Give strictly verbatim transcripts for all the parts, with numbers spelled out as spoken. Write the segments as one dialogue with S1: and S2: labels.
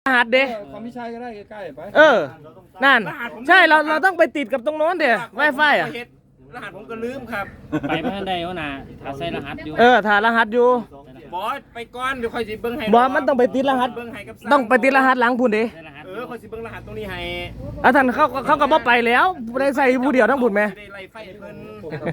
S1: รหัสเด้
S2: เขาไม่ใช่ก็ได้ใกล้ๆไป
S1: เออนั่นใช่เราเราต้องไปติดกับตรงโน้นเดี๋ยวไวไฟอ่ะ
S2: รหัสผมก็ลืมครับ
S3: ไปพันใดวะน่ะถ้าใส่รหัสอยู่
S1: เออถ้ารหัสอยู่
S2: บอสไปก่อนเดี๋ยวค่อยสิเบิ้งให้
S1: บอสมันต้องไปติดรหัสต้องไปติดรหัสหลังพุ่นเด้
S2: เออค่อยสิเบิ้งรหัสตรงนี้ให้
S1: อ่ะท่านเขาเขาก็บ่ไปแล้วได้ใส่ผู้เดียวทั้งพุ่นไหม
S2: ได้ไล่ไฟเพิ่น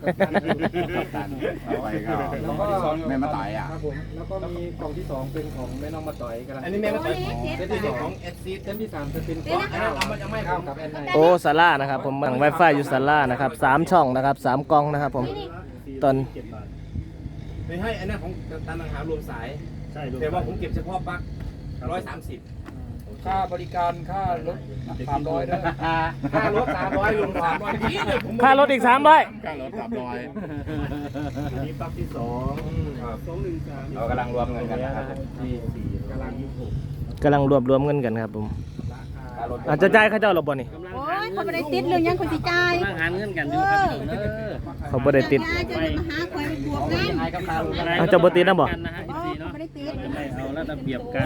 S4: ไปก็แล้วก็แม่มาต่อยอ่ะ
S2: ครับผมแล้วก็มีกล่องที่สองเป็นของแม่น้องมาต่อยกัน
S4: อันนี้แม่มาต่อย
S2: เซตที่สองของเอสซีเซตที่สามจะเป็นของเอามันยังไม่เข้ากับแอนไน
S1: โอ้ศาลานะครับผมบังไวไฟอยู่ศาลานะครับสามช่องนะครับสามกล่องนะครับผมตอน
S2: ไม่ให้อันนั้นของตามหารวมสายใช่แต่ว่าผมเก็บเฉพาะปลั๊กร้อยสามสิบค่าบริการค่ารถสามร้อยด้วยค่ารถสามร้อยรวมสามร้อยพี่เลยผม
S1: ค่ารถอีกสามร้อย
S4: ค่ารถสามร้อย
S2: นี่ปลั๊กที่สองสองหนึ่งสาม
S4: เรากำลังรวมเงินกันนะครับ
S2: ที่สี่กำลังยี่สิบหก
S1: กำลังรวบรวมเงินกันครับผมอาจจะจ่ายค่าเจ้าหรอบ่นี่
S5: โอ้ยเขาไม่ได้ติดเรื่องยังคนสิจ่าย
S3: ตั้งหาเงินกันอยู่ครับพี่น้องเด้อ
S1: เขาบ่ได้ติด
S5: จะมาหาคอยไปบวกกัน
S1: อาจจะบ่ติดนะบ่
S3: นะฮะอีกทีเนาะ
S5: ไม่ได้ติด
S3: เอาแล้วระเบียบกัน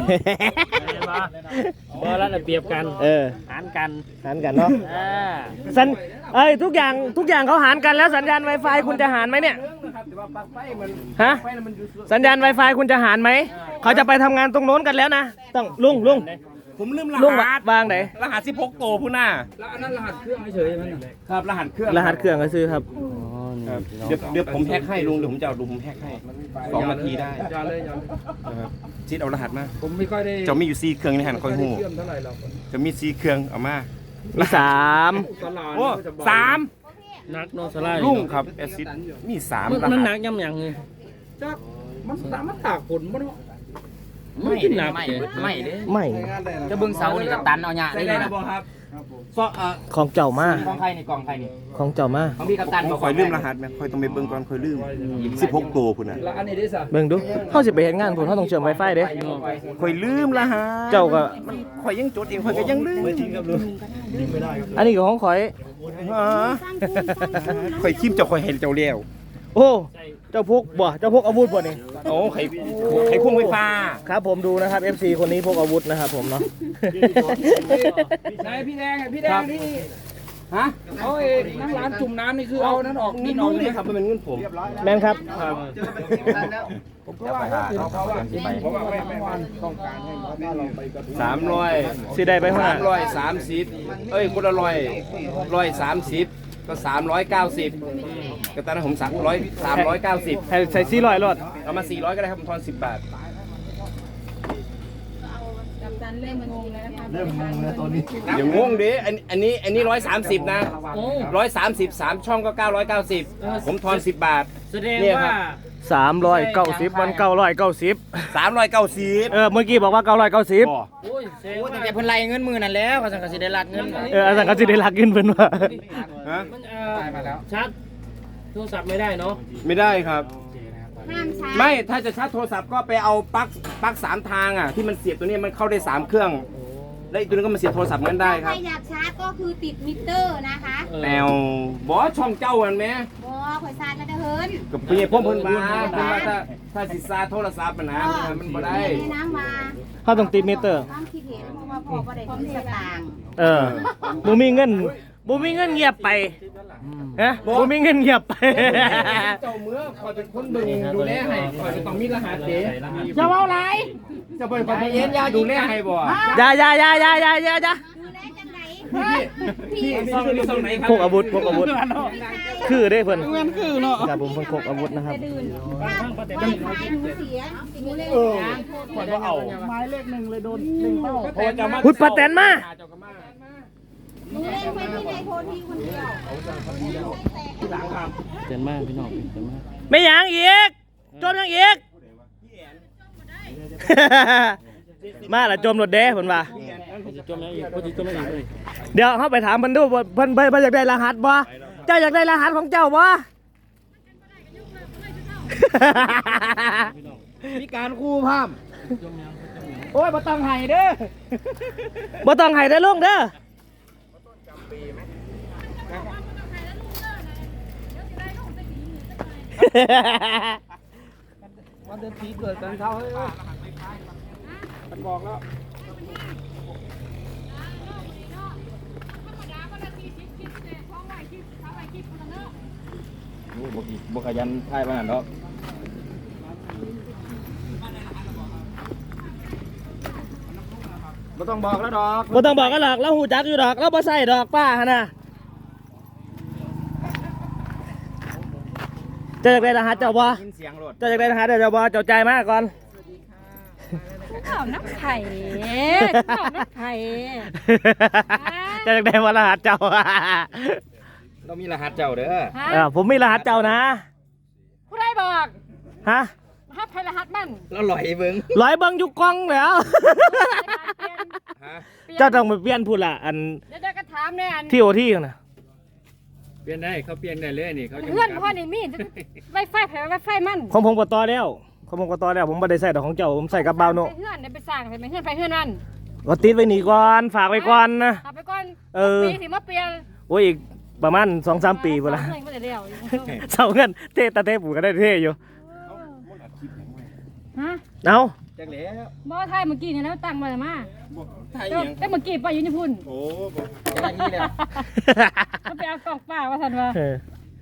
S3: บ่แล้วระเบียบกัน
S1: เออ
S3: หารกัน
S1: หารกันเนาะ
S3: อ่า
S1: สัญเอ้ยทุกอย่างทุกอย่างเขาหารกันแล้วสัญญาณ Wi-Fi คุณจะหารไหมเนี่ยฮะสัญญาณ Wi-Fi คุณจะหารไหมเขาจะไปทำงานตรงโน้นกันแล้วนะต้องลุงลุง
S2: ผมลืมร
S1: ลุง
S2: หัส
S1: วางไหน
S2: รหัสสิบหกโตผู้หน้าแล้วอันนั้นรหัสเครื่องเฉยๆมั้ยครับรหัสเครื่อง
S1: รหัสเครื่องก็ซื้อครับ
S2: เดี๋ยวเดี๋ยวผมแฮกให้ลุงเดี๋ยวผมจะเอาลุงผมแฮกให้สองนาทีได้ยาเลยยาเลยชิดเอารหัสมาผมไม่ค่อยได้จะมีอยู่สี่เครื่องในหันคอยหูจะมีสี่เครื่องเอามา
S1: มีสาม
S2: โอ้สาม
S3: นักโนสลาย
S2: ลุงครับแอซิดมีสาม
S3: มันหนักย่ำยังไง
S2: มันสามารถตากฝนมัน
S3: ไม่กินหนักไม่
S1: ไม่ไม่
S3: จะบึงเสานี่กับตันเอาหยาได้เลยนะ
S1: ของเจ้ามา
S3: ของใครนี่กองใครนี่
S1: ของเจ้ามา
S3: ของพี่กับตัน
S2: คอยลืมรหัสไหมคอยต้องไปเบิ่งก่อนคอยลืมสิบหกโตพุ่นน่ะ
S1: เบิ่งดูเขาสิไปเฮ็ดงานพุ่นเขาต้องเชื่อม Wi-Fi เด้
S2: คอยลืมรหัส
S1: เจ้าก็
S2: คอยยังจดเองคอยก็ยังลืม
S1: อันนี้ก็ของข่อย
S2: คอยคิมเจ้าคอยเห็นเจ้าเลี้ยว
S1: โอ้เจ้าพกบ่เจ้าพกอาวุธบ่นี่
S2: โอ้ไข่ไข่ควงไฟฟ้า
S1: ครับผมดูนะครับ เอฟ ซี คนนี้พกอาวุธนะครับผมเนาะ
S2: นายพี่แดงพี่แดงที่ฮะเอาเองนั่งร้านจุ่มน้ำนี่คือเอานั้นออกนี่น้องนี่ครับมันเป็นเงินผม
S1: แม่นครับ
S2: ผมก็ว่าเขาเขาว่าเพราะว่าไม่ไม่วันต้องการให้เราไปสามร้อย
S1: สิได้ไปห้า
S2: ร้อยสามสิบเอ้ยคนละร้อยร้อยสามสิบก็สามร้อยเก้าสิบก็ตอนนั้นผมสั่งร้อยสามร้อยเก้าสิบ
S1: ใส่สี่ร้อยรถ
S2: เอามาสี่ร้อยก็ได้ครับผมทอนสิบบาท
S5: เริ่มงงแล้วนะคะ
S4: เริ่มงงแล้วตอนนี้
S2: อย่างงงดิอันอันนี้อันนี้ร้อยสามสิบนะร้อยสามสิบสามช่องก็เก้าร้อยเก้าสิบผมทอนสิบบาท
S3: แสดงว่า
S1: สามร้อยเก้าสิบมันเก้าร้อยเก้าสิบ
S2: สามร้อยเก้าสิบ
S1: เออเมื่อกี้บอกว่าเก้าร้อยเก้าสิบ
S3: โอ้ยแต่เพิ่นไล่เงินมือนั่นแล้วเขาสั่งกสิได้ลักเงิน
S1: เออสั่งกสิได้ลักเงินเพิ่นว่า
S2: ฮะ
S3: มันเออชัดโทรศัพท์ไม่ได้เนาะ
S2: ไม่ได้ครับ
S5: ห้ามชาร์จ
S2: ไม่ถ้าจะชาร์จโทรศัพท์ก็ไปเอาปลั๊กปลั๊กสามทางอ่ะที่มันเสียบตัวนี้มันเข้าได้สามเครื่องแล้วอีกตัวนึงก็มาเสียบโทรศัพท์งั้นได้ครับ
S5: ถ้าอยากชาร์จก็คือติดมิเตอร์นะคะ
S2: แนวบอสช่องเจ้ามันไหม
S5: บอสข่อยชาร์จแล้วจะเฮิร์น
S2: กับพี่พ่อเพิ่นมาเพิ่นว่าถ้าถ้าสิซาโทรศัพท์มันนะมันบ่ได้
S5: น้ำมา
S1: เขาต้องติดมิเตอร์
S5: ความคิดเห็นเพราะว่าพ่อก็ได้ติดสตางค์
S1: เออบ่มีเงินบ่มีเงินเงียบไปฮะบ่มีเงินเงียบไป
S2: เจ้าเมื่อคอยเป็นคนเบิ่งดูแลให้คอยจะต้องมีรหัสเด้
S1: จะเว้าหลาย
S2: จะไปคนเย็นยาดูแลให้บ่
S1: อย่าอย่าอย่าอย่าอย่าอย่าอย่า
S5: ดูแลจังไหน
S2: พี่พี่ส่งไหนครับ
S1: พกอาวุธพกอาวุธคือเด้เพิ่นคือเนาะครับผมเพิ่นพกอาวุธนะครับ
S5: ถ้าไฟหนูเสียหนูเลย
S2: คอยบ่เอา
S1: ไม้เลขหนึ่งเลยโดนหนึ่งเป้า
S2: เพราะว่าจะมา
S1: พุทธปะแตนมา
S5: หนูเล่นไว้ที่ในโพธิคนเดียว
S2: ที่หลังครับ
S3: เจนมากพี่น้องเจนมาก
S1: ไม่หยังอีกจมยังอีกมาละจมรถเด้เพิ่นว่า
S3: จมยังอีกพอดีจมยังอีกเลย
S1: เดี๋ยวเฮาไปถามเพิ่นดูเพิ่นเพิ่นเพิ่นอยากได้รหัสบ่เจ้าอยากได้รหัสของเจ้าบ่
S2: มีการคู่ภาพโอ้ยบ่ต้องให้เด้อ
S1: บ่ต้องให้ได้ลุงเด้อ
S2: วันเดือนปีเกิดกันเขาเฮ้ยมันบอกแล้วบุขยันทายบ้านดอกไม่ต้องบอกแล้วดอก
S1: บ่ต้องบอกกันหรอกเราหูจักอยู่ดอกเราบ่ใส่ดอกป้าหั่นน่ะเจ้าอยากได้รหัสเจ้าบ่
S2: ยินเสียงรถ
S1: เจ้าอยากได้รหัสเจ้าบ่เจ้าจ่ายมาก่อน
S5: ข้าวน้ำไข่ข้าวน้ำไข่
S1: เจ้าอยากได้ว่ารหัสเจ้า
S2: เรามีรหัสเจ้าเด้อ
S1: เออผมมีรหัสเจ้านะ
S5: ผู้ใดบอก
S1: ฮะ
S5: รหัสไทยรหัสมัน
S2: แล้วลอยเบิ้ง
S1: ร้อยเบิ่งอยู่กล้องแล้ว
S2: ฮะ
S1: เจ้าต้องไปเปลี่ยนพูดล่ะอัน
S5: เดี๋ยวเดี๋ยวก็ถามเนี่ยอัน
S1: ที่โอที่น่ะ
S2: เปลี่ยนได้เขาเปลี่ยนได้เลยนี่เขาจะ
S5: เพื่อนพ่อนี่มีไวไฟแผงไวไฟมัน
S1: ของผมก็ต่อแล้วของผมก็ต่อแล้วผมบ่ได้ใส่ดอกของเจ้าผมใส่กับบ่าวโน
S5: ไปเพื่อนเดี๋ยวไปสั่งไปเพื่อนไปเพื่อนนั่น
S1: ก็ติดไว้นี่ก่อนฝากไว้ก่อนนะ
S5: เอาไปก่อน
S1: เออ
S5: ปีสิมาเปลี่ยน
S1: โอ้ยอีกประมาณ สองสาม ปีพุ่นละ
S5: เงินก็จะเดียว
S1: เสาเงินเทตาเทปู่ก็ได้เทอยู่
S5: ฮะ
S1: เอา
S2: จักแล้ว
S5: บ่ไทยเมื่อกี้เนี่ยนะตั้งมามา
S2: ไทย
S5: แต่
S2: ยัง
S5: แต่เมื่อกี้ป้าอยู่ญี่ปุ่น
S2: โอ้จังนี้เลย
S5: เขาไปเอากล่องป้าว่าสันว่า
S1: เออ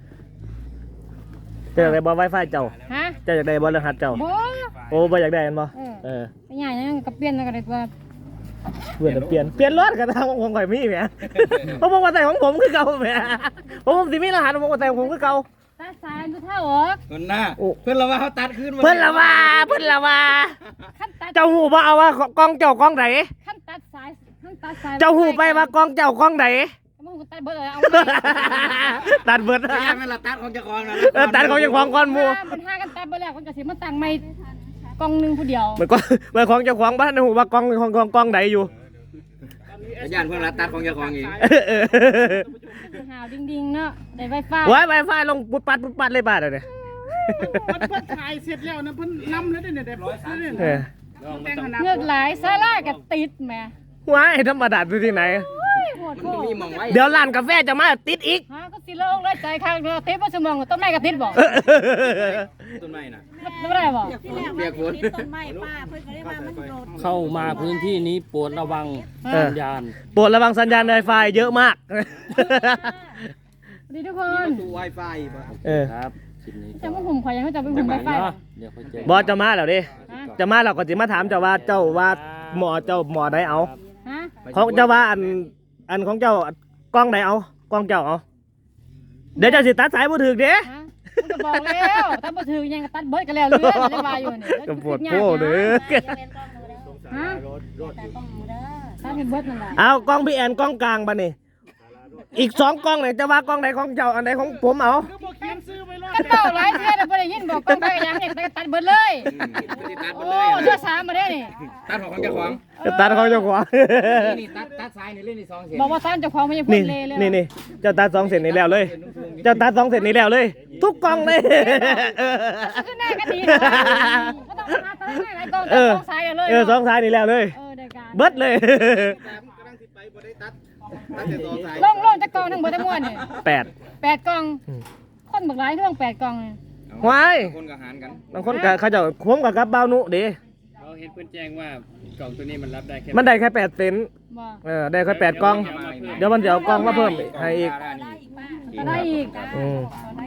S1: เจ้าอยากได้บ่ไวไฟเจ้า
S5: ฮะ
S1: เจ้าอยากได้บ่รหัสเจ้า
S5: บ่
S1: โอ้บ่อยากได้อันบ่
S5: เออ
S1: เออ
S5: ไปใหญ่นะกับเปลี่ยนกันเลยตัว
S1: เปลี่ยนเปลี่ยนเปลี่ยนรถกันทางของผมข่อยมีแหมเพราะผมว่าใส่ของผมคือเก่าแหมผมสิมีรหัสผมก็ใส่ของผมคือเก่า
S5: ตาสายดูเท่าออก
S2: คนหน้า
S1: โอ้
S2: เพื่อนเราว่าเขาตัดขึ้นมา
S1: เพิ่นละว่าเพิ่นละว่า
S5: ขั้นตัด
S1: เจ้าหูบ่เอาว่ากล้องเจ้ากล้องไหน
S5: ขั้นตัดสายขั้นตัดสาย
S1: เจ้าหูไปว่ากล้องเจ้ากล้องไหน
S5: มึงตัดเบิดเลยเอา
S1: ตัดเบิด
S2: พยายามให้เราตัดของเจ้าของนะ
S1: เออตัดของเจ้าของก่อนหมู่
S5: มันห้ากันตัดเบิดแล้วคนจะสิมาตั้งไม่กล่องหนึงผู้เดียว
S1: มันก็มันของเจ้าของบ้านหูว่ากล้องของกล้องกล้องไหนอยู่
S2: พยายามเพื่อนเราตัดของเจ้าของเอง
S1: เออเออ
S5: หาวดิ่งๆเนาะได้ไวไฟ
S1: ไว้ไวไฟลงปุ๊บปัดปุ๊บปัดเลยบ้านเลย
S6: มันเพิ่นถ่ายเสร็จแล้วนะเพิ่นนำแล้วเนี่ยได้ปุ๊บแล้วเนี่ย
S1: เออ
S6: แต่งขนาด
S5: เงือกหลายซาร่ากับติดแหม่
S1: ไว้ธรรมดาดูที่ไหน
S5: โอ้ยโหดโห
S2: มี
S5: ด
S2: มองไว้
S1: เดี๋ยวร้านกาแฟจะมาติดอีก
S5: ฮะก็สิโลกเลยใจข้างเดียวติดบ่สมองต้นไม้กับติดบ่
S2: ต้นไม้น่ะ
S5: ไม่ได้บ่
S2: เปียกฝน
S5: ต้นไม้ป้าเพิ่นก็ได้ว่ามันโดด
S3: เข้ามาพื้นที่นี้โปรดระวัง
S1: เออ
S3: สัญญาณ
S1: โปรดระวังสัญญาณ Wi-Fi เยอะมาก
S5: สวัสดีทุกคน
S2: ดู Wi-Fi ป่ะ
S1: เออ
S3: ครับคลิปนี้
S5: จะมาหุ่มข่อยยังไม่จะไปหุ่มไวไฟ
S3: เนาะเดี๋ยวค่อยเจอบ
S1: อสจะมาแล้วดิ
S5: ฮะ
S1: จะมาเราก็จะมาถามเจ้าว่าเจ้าว่าหมอเจ้าหมอไหนเอา
S5: ฮะ
S1: ของเจ้าว่าอันอันของเจ้ากล้องไหนเอากล้องเจ้าเอา เดี๋ยวเจะสิตัดสายมือถือเด้
S5: ฮะมันก็บอกแล้วถ้าบ่ถือยังก็ตัดเบิดกันแล้วเรื่องได้ว่าอยู่นี่
S1: ก็ปวดโป้เด้อ
S5: ฮะตัดให้เบิดนั่นแหละ
S1: เอากล้องพี่แอนกล้องกลางปะนี่อีกสองกล้องไหนจะว่ากล้องไหนของเจ้าอันไหนของผมเอา
S6: ก็บอกเขียนซื้อไว้เลย
S5: กันเต่าหลายเทื่อแต่บ่ได้ยินบอกกล้องไปยังเนี่ยตัดเบิดเลย
S2: ตัดหมด
S5: โอ้
S2: เลย
S5: เทื่อสามมาได้นี่
S2: ตัดของเจ้าของ
S1: จะตัดของเจ้าของ
S2: นี่ตัดตัดซ้ายนี่เล่นนี่สองเสียง
S5: บอกว่าซ่านเจ้าของไม่ใช่พู
S1: นี่
S5: ดเลยเลย
S1: นี่นี่เจ้าตัดสองเสร็จนี่แล้วเลย เจ้าตัดสองเสร็จนี่แล้วเลย ทุกกล้องเลย
S5: คือหน้าก็ดีนะก็ต้องหาตัดให้หลายกล้อง
S1: เอ
S5: ตัด
S1: อ
S5: สองสายเลย
S1: เออสองสายนี่แล้วเลย
S5: เออได้การ
S1: เบิดเลย
S2: กำลังติดไปบ่ได้ตัดตัดแต่สองสาย
S5: ลงลงจากกล้องทั้งหมดทั้งมวลนี่
S1: แปด
S5: แปดกล้องคนบักหลายเรื่องแปดกล้องนี่
S1: ว้าย
S2: คนก็หารกัน
S1: บางคนก็เขาเจะผมกับกับเบาวนุเด้
S3: เราเห็นเพื่อนแจ้งว่ากล่องตัวนี้มันรับได้แค่
S1: มันได้แค่แปดเซน
S5: บ่
S1: เออได้แค่แปดกล้อง เดี๋ยวมันจะเอากล้องมาเพิ่มให้อีก
S5: ก็ได้อีก
S1: อืม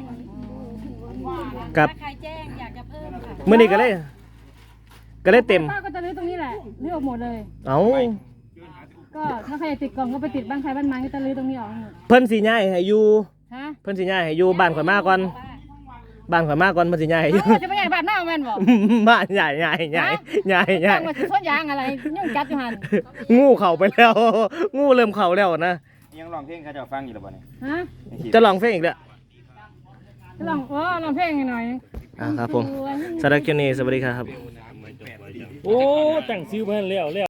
S1: กับ
S5: ใครแจ้งอยากจะเพิ่มค่ะ
S1: มื่อนี้ก็เลยก็เลยเต็ม
S5: ป้าก็จะรื้อตรงนี้แหละรื้อออกหมดเลย
S1: เอา
S5: ก็ถ้าใครอยากติดกล่องก็ไปติดบ้านใครบ้านมันก็จะรื้อตรงนี้ออกให้หมด
S1: เพิ่นสิย้ายให้อยู่
S5: ฮะ
S1: เพิ่นสิย้ายให้อยู่บ้านข่อยมาก่อนบ้านข่อยมาก่อนเพิ่นสิย้ายให้อยู่
S5: เอ้าจะไปใหญ่บ้านหน้าแม่นบ่
S1: บ้านใหญ่ใหญ่ใหญ่ใหญ่ใหญ่
S5: ตั้งมาสิสวนยางอะไรยุ่งกัดอยู่หั่น
S1: งูเข้าไปแล้ว งูเริ่มเข้าแล้วนะ
S2: ยังร้องเพลงเขาจะฟังอยู่หรือเปล่าเนี่ย
S5: ฮะ
S1: จะลองเพลงอีกแล้ว
S5: ลองเออลองเพลงให้หน่อย
S1: อ่าครับผมสำหรับคลิปนี้สวัสดีครับ
S3: โอ้แต่งซิวเพื่อนแล้ว